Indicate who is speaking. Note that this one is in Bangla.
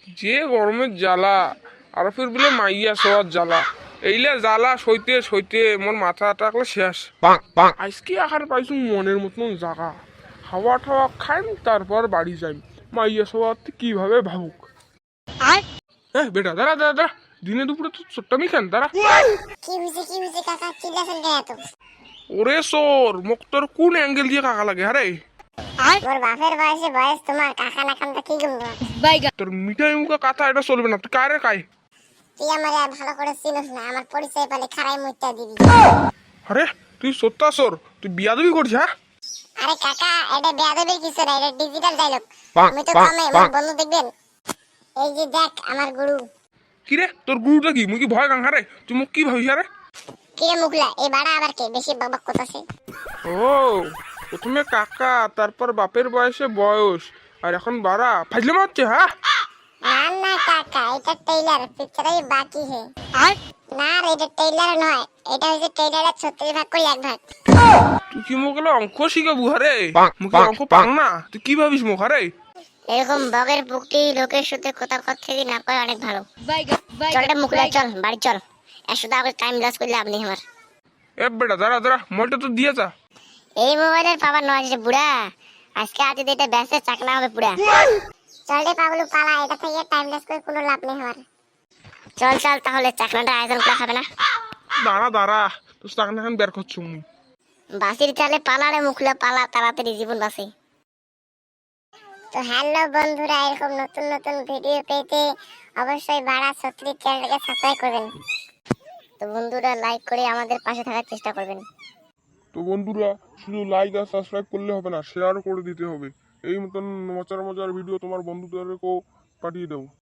Speaker 1: যে গরমের জ্বালা আর ফির বলে মাইয়া সবার জ্বালা এইলে জ্বালা সইতে সইতে মোর মাথা টাকলে শেষ। আজকে আহার পাইছু মনের মতন জায়গা, হাওয়া ঠাওয়া খাইম তারপর বাড়ি যাইম। মাইয়া সবার কিভাবে ভাবুক। হ্যাঁ বেটা দাঁড়া দাঁড়া দাঁড়া, দিনে দুপুরে তো ছোট্টামি খান দাঁড়া।
Speaker 2: কি হইছে কাকা, চিল্লাছেন কেন এত?
Speaker 1: ওরে সোর মোক তোর কোন অ্যাঙ্গেল দিয়ে কাকা লাগে আরে?
Speaker 2: মোর বাপের বয়স তোমার কাকা না খানটা কি গুনবো?
Speaker 1: তোর মিঠাই মুখা কথা এটা চলবে না, তুই কারে কাই?
Speaker 2: তুই আমারে আর ভালো করে চিনিস না, আমার পরিচয় পেলে খারাই মুইতা দিবি।
Speaker 1: আরে তুই সত্তা সোর, তুই বিয়াদবি করছিস হ্যাঁ?
Speaker 2: আরে কাকা, এটা বেয়াদবির কিছু না, এটা ডিজিটাল ডায়লগ। আমি তো কমে মোর বন্ধু দেখবেন। এই যে দেখ আমার গুরু।
Speaker 1: কি রে তোর গুরুটা কি? মুই কি ভয় গাং হারে? তুই মুখ কি ভাবিস আরে?
Speaker 2: কিরে মুখলা, এই বাড়া আবার কে বেশি বকবক করতেছে?
Speaker 1: ও প্রথমে কাকা, তারপর বাপের বয়সে বয়স, আর এখন বাড়া ফাজলে মারছে হ্যাঁ?
Speaker 2: না না কাকা, এটা টেইলার, পিকচারই বাকি হে। না রে, এটা টেইলার নয়, এটা হচ্ছে টেইলারের 36 ভাগ করে 1 ভাগ।
Speaker 1: তুই কি মোক অঙ্ক শিখাবু হারে? মুখে অঙ্ক পাং না, তুই কি ভাবিস মুখ হারে?
Speaker 2: এরকম বগের পুকটি লোকের সাথে কথা কথা না কয় অনেক ভালো। চল রে মুখলা, চল বাড়ি চল। এর সাথে আগে টাইম লস করলে আপনি আমার।
Speaker 1: এ বেটা দাঁড়া দাঁড়া, মোবাইলটা তো দিয়ে যা।
Speaker 2: এই মোবাইলের পাওয়ার নয় যে বুড়া, আজকে আজ এটা বেসে চাকনা হবে পুরা। চল রে পাগলু পালা, এটা থেকে টাইম লস করে কোনো লাভ নেই আমার। চল চল তাহলে চাকনাটা আয়োজন করা হবে না?
Speaker 1: দাঁড়া দাঁড়া, তোর টাকা এখন বের করছো মুই।
Speaker 2: বাসির চালে পালা রে মুখলা পালা, তাড়াতাড়ি জীবন বাঁচে। তো হ্যালো বন্ধুরা, এরকম নতুন নতুন ভিডিও পেতে অবশ্যই বাড়া 36 চ্যানেলটাকে সাবস্ক্রাইব করবেন। তো বন্ধুরা লাইক করে আমাদের পাশে থাকার চেষ্টা করবেন।
Speaker 1: তো বন্ধুরা শুধু লাইক আর সাবস্ক্রাইব করলে হবে না, শেয়ার করে দিতে হবে। এই মতন মজার মজার ভিডিও তোমার বন্ধুদেরকেও পাঠিয়ে দাও।